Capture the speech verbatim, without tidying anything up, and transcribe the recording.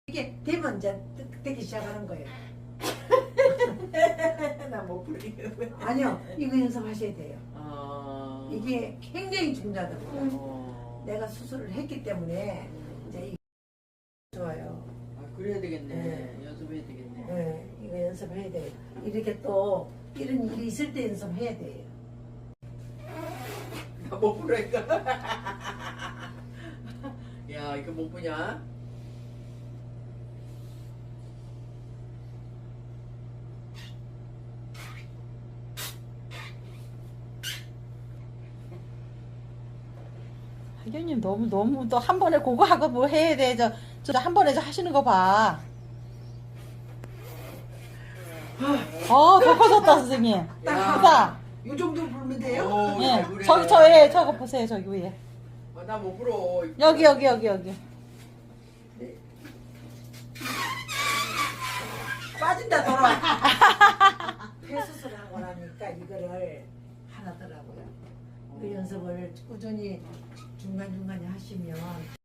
이게 되면 이제 뜨- 되기 시작하는 거예요. 나 못 부르겠네. 아니요, 이거 연습하셔야 돼요. 아. 이게 굉장히 중요하더라고요. 어. 내가 수술을 했기 때문에 이제 이게 좋아요. 아, 그래야 되겠네. 네. 연습해야 되겠네. 네, 이거 연습해야 돼요. 이렇게 또 이런 일이 있을 때 연습해야 돼요. 나 못 부르니까. 야, 이거 못 부냐? 하경님 너무 너무 또 한 번에 그거 하고 뭐 해야 돼. 저 저 한 번에 저 하시는 거 봐. 어, 더 커졌다 선생님. 크다. 이 정도 부르면 돼요? 오, 예, 잘 부르네. 저기 저에 저거 보세요 저기 위에. 어, 나 못 불어. 여기 여기 여기 여기. 빠진다 돌아. 폐수술을 하고 나니까 이거를 하나더라고요. 그 연습을 꾸준히 중간중간에 하시면